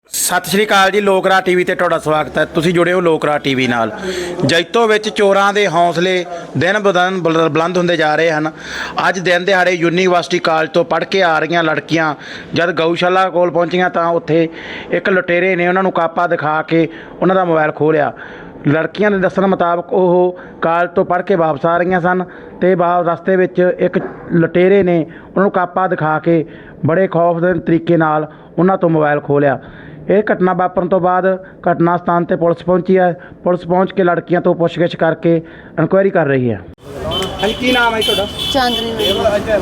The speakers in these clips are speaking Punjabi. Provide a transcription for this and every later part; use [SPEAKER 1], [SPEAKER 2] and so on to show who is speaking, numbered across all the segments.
[SPEAKER 1] ਸਤਿ ਸ਼੍ਰੀ ਅਕਾਲ ਜੀ। ਲੋਕ ਰਾਹ ਟੀਵੀ ਤੇ ਤੁਹਾਡਾ ਸਵਾਗਤ ਹੈ। ਤੁਸੀਂ ਜੁੜੇ ਹੋ ਲੋਕ ਰਾਹ ਟੀਵੀ ਨਾਲ। ਜੈਤੋ ਵਿੱਚ ਚੋਰਾਂ ਦੇ ਹੌਸਲੇ ਦਿਨ ਬ ਦਿਨ ਬੁਲੰਦ ਹੁੰਦੇ ਜਾ ਰਹੇ ਹਨ। ਅੱਜ ਦਿਨ ਦਿਹਾੜੇ ਯੂਨੀਵਰਸਿਟੀ ਕਾਲਜ ਤੋਂ ਪੜ੍ਹ ਕੇ ਆ ਰਹੀਆਂ ਲੜਕੀਆਂ ਜਦ ਗਊਸ਼ਾਲਾ ਕੋਲ ਪਹੁੰਚੀਆਂ ਤਾਂ ਉੱਥੇ ਇੱਕ ਲੁਟੇਰੇ ਨੇ ਉਹਨਾਂ ਨੂੰ ਕਾਪਾ ਦਿਖਾ ਕੇ ਉਹਨਾਂ ਦਾ ਮੋਬਾਈਲ ਖੋਹ ਲਿਆ। ਲੜਕੀਆਂ ਦੇ ਦੱਸਣ ਮੁਤਾਬਕ ਉਹ ਕਾਲਜ ਤੋਂ ਪੜ੍ਹ ਕੇ ਵਾਪਸ ਆ ਰਹੀਆਂ ਸਨ ਅਤੇ ਰਸਤੇ ਵਿੱਚ ਇੱਕ ਲੁਟੇਰੇ ਨੇ ਉਹਨਾਂ ਨੂੰ ਕਾਪਾ ਦਿਖਾ ਕੇ ਬੜੇ ਖੌਫਨਾਕ ਤਰੀਕੇ ਨਾਲ ਉਹਨਾਂ ਤੋਂ ਮੋਬਾਈਲ ਖੋਹ ਲਿਆ। ਇਹ ਘਟਨਾ ਵਾਪਰਨ ਤੋਂ ਬਾਅਦ ਘਟਨਾ ਸਥਾਨ 'ਤੇ ਪੁਲਿਸ ਪਹੁੰਚੀ ਹੈ। ਪੁਲਿਸ ਪਹੁੰਚ ਕੇ ਲੜਕੀਆਂ ਤੋਂ ਪੁੱਛਗਿੱਛ ਕਰਕੇ ਇਨਕੁਆਇਰੀ ਕਰ ਰਹੀ ਹੈ। ਹਾਂਜੀ, ਕੀ ਨਾਮ ਹੈ ਤੁਹਾਡਾ?
[SPEAKER 2] ਚਾਂਦਨੀ।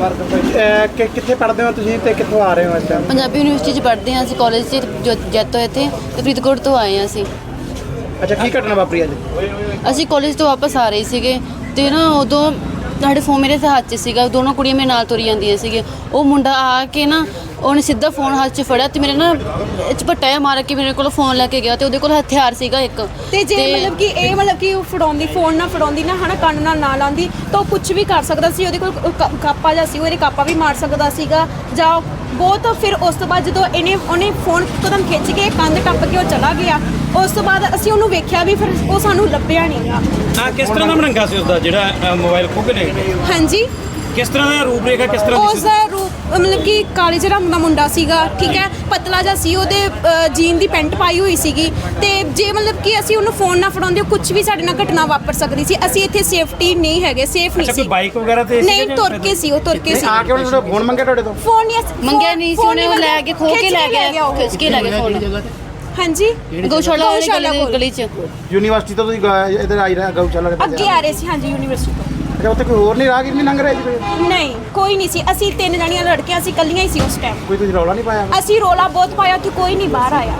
[SPEAKER 1] ਕਿੱਥੇ ਪੜ੍ਹਦੇ ਹੋ ਤੁਸੀਂ ਤੇ ਕਿੱਥੋਂ ਆ ਰਹੇ ਹੋ? ਅੱਛਾ,
[SPEAKER 2] ਪੰਜਾਬੀ ਯੂਨੀਵਰਸਿਟੀ 'ਚ ਪੜ੍ਹਦੇ ਹਾਂ ਅਸੀਂ, ਕਾਲਜ 'ਚ ਜੈਤੋ ਇੱਥੇ ਤੇ ਫਰੀਦਕੋਟ ਤੋਂ ਆਏ ਹਾਂ ਅਸੀਂ।
[SPEAKER 1] ਅੱਛਾ, ਕੀ ਘਟਨਾ ਵਾਪਰੀ ਅੱਜ?
[SPEAKER 2] ਅਸੀਂ ਕਾਲਜ ਤੋਂ ਵਾਪਸ ਆ ਰਹੇ ਸੀਗੇ ਤੇ ਨਾ ਉਦੋਂ ਸਾਡੇ ਫੋਨ ਮੇਰੇ ਹੱਥ 'ਚ ਸੀਗਾ। ਦੋਨੋਂ ਕੁੜੀਆਂ ਮੇਰੇ ਨਾਲ ਤੁਰੀ ਜਾਂਦੀਆਂ ਸੀਗੇ। ਉਹ ਮੁੰਡਾ ਆ ਕੇ ਨਾ ਉਹਨੇ ਸਿੱਧਾ ਫੋਨ ਹੱਥ 'ਚ ਫੜਿਆ ਤੇ ਮੇਰੇ ਨਾ ਝਪੱਟਾ ਜਿਹਾ ਮਾਰ ਕੇ ਮੇਰੇ ਕੋਲ ਫੋਨ ਲੈ ਕੇ ਗਿਆ ਤੇ ਉਹਦੇ ਕੋਲ ਹਥਿਆਰ ਸੀਗਾ ਇੱਕ।
[SPEAKER 3] ਤੇ ਜੇ ਮਤਲਬ ਕਿ ਉਹ ਫੜਾਉਂਦੀ ਫੋਨ ਨਾ ਫੜਾਉਂਦੀ ਨਾ ਹਨਾ, ਕੰਨ ਨਾਲ ਲਾਉਂਦੀ ਤਾਂ ਉਹ ਕੁਝ ਵੀ ਕਰ ਸਕਦਾ ਸੀ। ਉਹਦੇ ਕੋਲ ਕਾਪਾ ਜਿਹਾ ਸੀ, ਉਹਦੇ ਕਾਪਾ ਵੀ ਮਾਰ ਸਕਦਾ ਸੀਗਾ ਜਾਂ ਬਹੁਤ। ਫਿਰ ਉਸ ਤੋਂ ਬਾਅਦ ਜਦੋਂ ਉਹਨੇ ਫੋਨ ਕਦਮ ਖਿੱਚ ਕੇ ਕੰਧ ਟੱਪ ਕੇ ਉਹ ਚਲਾ ਗਿਆ। ਉਸ ਤੋਂ ਬਾਅਦ ਅਸੀਂ ਉਹਨੂੰ ਵੇਖਿਆ ਵੀ, ਫਿਰ ਉਹ ਸਾਨੂੰ ਲੱਭਿਆ ਨਹੀਂ ਗਾ।
[SPEAKER 4] ਕਿਸ ਤਰ੍ਹਾਂ ਦਾ ਬਣਾਂਗਾ ਸੀ ਉਸਦਾ ਜਿਹੜਾ ਮੋਬਾਈਲ ਖੋਹ ਕੇ ਲੈ ਗਏ?
[SPEAKER 3] ਹਾਂਜੀ,
[SPEAKER 4] ਕਿਸ ਤਰ੍ਹਾਂ ਦਾ ਰੂਪ ਰੇਖਾ, ਕਿਸ ਤਰ੍ਹਾਂ
[SPEAKER 3] ਉਸ ਦਾ ਰੂਪ ਮਤਲਬ ਕਿ ਕਾਲੇ ਜਿਹੇ ਰੰਗ ਦਾ ਮੁੰਡਾ ਸੀਗਾ, ਠੀਕ ਹੈ, ਪਤਲਾ ਜਿਹਾ ਸੀ, ਉਹਦੇ ਜੀਨ ਦੀ ਪੈਂਟ ਪਾਈ ਹੋਈ ਸੀਗੀ। ਤੇ ਜੇ ਮਤਲਬ ਕਿ ਅਸੀਂ ਉਹਨੂੰ ਫੋਨ ਨਾ ਫੜਾਉਂਦੇ ਕੁਝ ਵੀ ਸਾਡੇ ਨਾਲ ਘਟਨਾ ਵਾਪਰ ਸਕਦੀ ਸੀ। ਅਸੀਂ ਇੱਥੇ ਸੇਫਟੀ ਨਹੀਂ ਹੈਗੇ, ਸੇਫ ਨਹੀਂ ਸੀ।
[SPEAKER 4] ਕੋਈ ਬਾਈਕ ਵਗੈਰਾ ਤੇ
[SPEAKER 3] ਨਹੀਂ, ਤੁਰ ਕੇ ਸੀ, ਉਹ ਤੁਰ ਕੇ ਸੀ।
[SPEAKER 1] ਆ ਕੇ ਉਹਨੇ ਫੋਨ ਮੰਗਿਆ ਤੁਹਾਡੇ ਤੋਂ?
[SPEAKER 3] ਫੋਨ ਨਹੀਂ
[SPEAKER 2] ਮੰਗਿਆ ਨਹੀਂ ਸੀ ਉਹਨੇ, ਉਹ ਲੈ ਕੇ ਖੋਹ ਕੇ ਲੈ ਗਿਆ, ਖਿੱਚ ਕੇ ਲੈ ਗਿਆ ਫੋਨ।
[SPEAKER 3] ਹਾਂਜੀ,
[SPEAKER 2] ਗਊਸ਼ਾਲਾ ਵਾਲੀ ਗਲੀ 'ਚ।
[SPEAKER 1] ਯੂਨੀਵਰਸਿਟੀ ਤੋਂ ਤੁਸੀਂ ਇੱਧਰ ਆਈ ਰਹੇ ਗਊਸ਼ਾਲਾ ਦੇ ਪਾਸੇ?
[SPEAKER 3] ਅੱਗੇ ਆ ਰਹੇ ਸੀ। ਹਾਂਜੀ, ਯੂਨੀਵਰਸਿਟੀ ਤੋਂ।
[SPEAKER 1] ਅੱਛਾ, ਉੱਥੇ ਕੋਈ ਹੋਰ ਨਹੀਂ ਰਾਹਗੀਰ ਨਹੀਂ ਲੰਘ ਰਿਹਾ ਜੀ? ਕੋਈ
[SPEAKER 3] ਨਹੀਂ, ਕੋਈ ਨਹੀਂ ਸੀ। ਅਸੀਂ 3 ਜਣੀਆਂ ਲੜਕੀਆਂ ਸੀ, ਇਕੱਲੀਆਂ ਹੀ ਸੀ ਉਸ ਟਾਈਮ।
[SPEAKER 1] ਕੋਈ ਤੁਸੀਂ ਰੌਲਾ ਨਹੀਂ ਪਾਇਆ?
[SPEAKER 3] ਅਸੀਂ ਰੋਲਾ ਬਹੁਤ ਪਾਇਆ ਕਿ ਕੋਈ ਨਹੀਂ ਬਾਹਰ ਆਇਆ।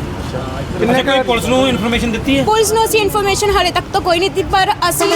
[SPEAKER 4] ਕਿੰਨੇ ਕੋਈ ਪੁਲਿਸ ਨੂੰ ਇਨਫੋਰਮੇਸ਼ਨ ਦਿੱਤੀ ਹੈ?
[SPEAKER 3] ਪੁਲਿਸ ਨੂੰ ਅਸੀਂ ਇਨਫੋਰਮੇਸ਼ਨ ਹਾਲੇ ਤੱਕ ਤਾਂ ਕੋਈ ਨਹੀਂ ਦਿੱਤੀ, ਪਰ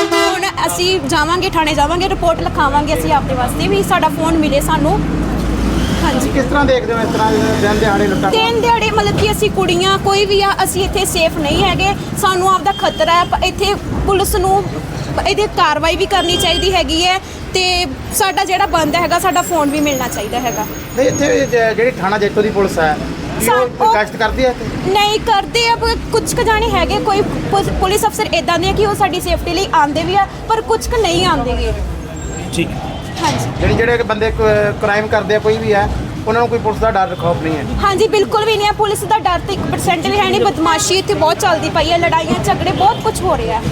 [SPEAKER 3] ਅਸੀਂ ਜਾਵਾਂਗੇ, ਥਾਣੇ ਜਾਵਾਂਗੇ, ਰਿਪੋਰਟ ਲਿਖਾਵਾਂਗੇ ਅਸੀਂ ਆਪਣੇ ਵਾਸਤੇ ਵੀ ਸਾਡਾ ਫੋਨ ਮਿਲੇ ਸਾਨੂੰ। ਹਾਂਜੀ,
[SPEAKER 1] ਕਿਸ ਤਰ੍ਹਾਂ ਦੇਖਦੇ ਹੋ ਇਸ ਤਰ੍ਹਾਂ ਦਿਨ ਦਿਹਾੜੇ ਲੁੱਟਾਂ?
[SPEAKER 3] ਦਿਨ ਦਿਹਾੜੇ ਮਤਲਬ ਕਿ ਅਸੀਂ ਕੁੜੀਆਂ ਕੋਈ ਵੀ ਆ, ਅਸੀਂ ਇੱਥੇ ਸੇਫ ਨਹੀਂ ਹੈਗੇ। ਸਾਨੂੰ ਆਪਦਾ ਖਤਰਾ ਹੈ। ਇੱਥੇ ਪੁਲਿਸ ਨੂੰ ਇਹਦੀ ਕਾਰਵਾਈ ਵੀ ਕਰਨੀ ਚਾਹੀਦੀ ਹੈਗੀ ਹੈ ਤੇ ਸਾਡਾ ਜਿਹੜਾ ਬੰਦ ਹੈਗਾ, ਸਾਡਾ ਫੋਨ ਵੀ ਮਿਲਣਾ ਚਾਹੀਦਾ ਹੈਗਾ।
[SPEAKER 1] ਨਹੀਂ, ਇੱਥੇ ਜਿਹੜੀ ਥਾਣਾ ਜੈਤੋ ਦੀ ਪੁਲਿਸ ਹੈ ਉਹ ਗਸ਼ਤ ਕਰਦੀ ਹੈ ਇੱਥੇ?
[SPEAKER 3] ਨਹੀਂ ਕਰਦੇ ਆ, ਕੁਝ ਕੁ ਜਾਣੇ ਹੈਗੇ ਕੋਈ ਪੁਲਿਸ ਅਫਸਰ ਇਦਾਂ ਦੇ ਕਿ ਉਹ ਸਾਡੀ ਸੇਫਟੀ ਲਈ ਆਉਂਦੇ ਵੀ ਆ, ਪਰ ਕੁਝ ਕੁ ਨਹੀਂ ਆਉਂਦੇਗੇ।
[SPEAKER 4] ਠੀਕ।
[SPEAKER 3] ਹਾਂਜੀ,
[SPEAKER 1] ਜਿਹੜੇ ਬੰਦੇ ਕ੍ਰਾਈਮ ਕਰਦੇ ਆ ਕੋਈ ਵੀ ਹੈ, ਉਹਨਾਂ ਨੂੰ ਕੋਈ ਪੁਲਿਸ ਦਾ ਡਰ ਖੌਫ ਨਹੀਂ ਹੈ?
[SPEAKER 3] ਹਾਂਜੀ, ਬਿਲਕੁਲ ਵੀ ਨਹੀਂ ਹੈ। ਪੁਲਿਸ ਦਾ ਡਰ ਤਾਂ 1% ਵੀ ਹੈ ਨਹੀਂ। ਬਦਮਾਸ਼ੀ ਇੱਥੇ ਬਹੁਤ ਚੱਲਦੀ ਪਈ ਹੈ, ਲੜਾਈਆਂ ਝਗੜੇ ਬਹੁਤ ਕੁਝ ਹੋ ਰਿਹਾ।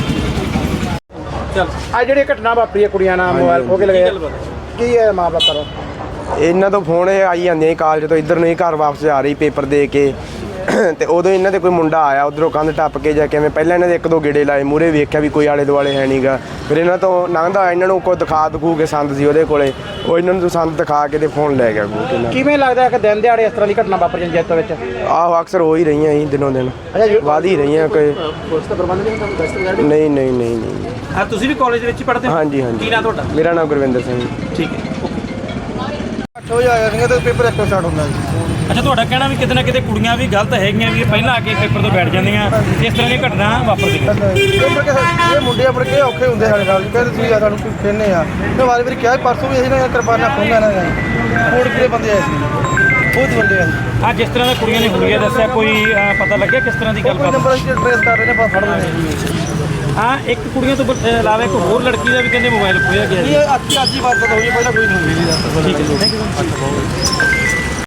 [SPEAKER 1] ਚਲ, ਆ ਜਿਹੜੀ ਘਟਨਾ ਵਾਪਰੀ ਹੈ ਕੁੜੀਆਂ ਨਾਲ ਮੋਬਾਈਲ ਖੋਹ ਕੇ ਲਗਾਇਆ, ਕੀ ਹੈ ਮਾਮਲਾ? ਕਰੋ।
[SPEAKER 5] ਇਹਨਾਂ ਤੋਂ ਫੋਨ ਆਈ ਜਾਂਦੇ ਕਾਲਜ ਤੋਂ ਇੱਧਰ ਨੂੰ ਹੀ ਘਰ ਵਾਪਸ ਜਾ ਰਹੀ ਪੇਪਰ ਦੇ ਕੇ ਤੇ ਉਦੋਂ ਇਹਨਾਂ ਦੇ ਕੋਈ ਮੁੰਡਾ ਆਇਆ ਉੱਧਰੋਂ ਕੰਧ ਟੱਪ ਕੇ ਜਾਂ ਕਿਵੇਂ। ਪਹਿਲਾਂ ਇਹਨਾਂ ਦੇ 1-2 ਗੇੜੇ ਲਾਏ, ਮੂਹਰੇ ਵੇਖਿਆ ਵੀ ਕੋਈ ਆਲੇ ਦੁਆਲੇ ਹੈ ਨਹੀਂਗਾ। ਫਿਰ ਇਹਨਾਂ ਤੋਂ ਲੰਘਦਾ ਇਹਨਾਂ ਨੂੰ ਕੋਈ ਦਿਖੂ ਕੇ ਸੰਦ ਸੀ ਉਹਦੇ ਕੋਲੇ, ਉਹ ਇਹਨਾਂ ਨੂੰ ਸੰਦ ਦਿਖਾ ਕੇ ਤੇ ਫੋਨ ਲੈ ਗਿਆ ਖੋਹ ਕੇ।
[SPEAKER 1] ਕਿਵੇਂ ਲੱਗਦਾ ਕਿ ਦਿਨ ਦਿਹਾੜੇ ਇਸ ਤਰ੍ਹਾਂ ਦੀ ਘਟਨਾ ਵਾਪਰ ਜਾਂਦੀ ਜੈਤੋ ਵਿੱਚ?
[SPEAKER 5] ਆਹੋ, ਅਕਸਰ ਹੋ ਹੀ ਰਹੀਆਂ ਜੀ, ਦਿਨੋਂ ਦਿਨ ਵੱਧ ਹੀ ਰਹੀਆਂ। ਕੋਈ
[SPEAKER 1] ਪੁਲਿਸ ਦਾ ਪ੍ਰਬੰਧ ਨਹੀਂ ਹੁੰਦਾ?
[SPEAKER 5] ਨਹੀਂ।
[SPEAKER 4] ਤੁਸੀਂ ਵੀ ਕਾਲਜ ਵਿੱਚ ਹੀ ਪੜ੍ਹਦੇ ਹੋ?
[SPEAKER 5] ਹਾਂਜੀ।
[SPEAKER 4] ਕੀ ਨਾਂ ਤੁਹਾਡਾ?
[SPEAKER 5] ਮੇਰਾ ਨਾਮ ਗੁਰਵਿੰਦਰ ਸਿੰਘ।
[SPEAKER 4] ਠੀਕ ਹੈ।
[SPEAKER 1] 8 ਵਜੇ ਆਇਆ ਸੀਗਾ ਤੇ ਪੇਪਰ 1 ਸਟਾਰਟ ਹੁੰਦਾ ਜੀ।
[SPEAKER 4] ਅੱਛਾ, ਤੁਹਾਡਾ ਕਹਿਣਾ ਵੀ ਕਿਤੇ ਨਾ ਕਿਤੇ ਕੁੜੀਆਂ ਵੀ ਗਲਤ ਹੈਗੀਆਂ ਵੀ ਪਹਿਲਾਂ ਆ ਕੇ ਪੇਪਰ ਤੋਂ ਬੈਠ ਜਾਂਦੀਆਂ, ਇਸ ਤਰ੍ਹਾਂ ਦੀਆਂ ਘਟਨਾ ਵਾਪਰਦੀਆਂ?
[SPEAKER 6] ਇਹ ਮੁੰਡੇ ਆਪਣੇ ਕੇ ਔਖੇ ਹੁੰਦੇ ਸਾਡੇ ਨਾਲ, ਕਹਿੰਦੇ ਤੁਸੀਂ ਸਾਨੂੰ ਕੋਈ ਕਹਿੰਦੇ ਆ। ਮੈਂ ਵਾਰੀ ਵਾਰੀ ਕਿਹਾ, ਪਰਸੋਂ ਵੀ ਅਸੀਂ ਨਾ ਕਿਰਪਾਨਾਂ ਖੋਂਗਾ ਇਹਨਾਂ ਦਾ ਕੋੜ ਕਿਹੜੇ ਬੰਦੇ ਆਏ ਸੀ, ਬਹੁਤ ਬੰਦੇ ਆ।
[SPEAKER 4] ਆ ਜਿਸ ਤਰ੍ਹਾਂ ਦਾ ਕੁੜੀਆਂ ਨੇ ਹੁਲੀਆ ਦੱਸਿਆ, ਕੋਈ ਪਤਾ ਲੱਗਿਆ ਕਿਸ ਤਰ੍ਹਾਂ ਦੀ ਗੱਲਬਾਤ?
[SPEAKER 6] ਨੰਬਰ ਅਸੀਂ ਟ੍ਰੇਸ ਕਰ ਰਹੇ ਨੇ, ਫੜ ਰਹੇ ਨੇ।
[SPEAKER 4] ਹਾਂ, ਇੱਕ ਕੁੜੀਆਂ ਤੋਂ ਇਲਾਵਾ ਇੱਕ ਹੋਰ ਲੜਕੀ ਦਾ ਵੀ ਕਹਿੰਦੇ ਮੋਬਾਈਲ ਖੋਇਆ ਗਿਆ ਜੀ।
[SPEAKER 6] ਇਹ ਅੱਜ ਹੀ ਬਾਤ ਹੋਈ, ਪਹਿਲਾਂ ਕੋਈ ਨਹੀਂ ਹੋਈ।
[SPEAKER 4] ਠੀਕ ਹੈ।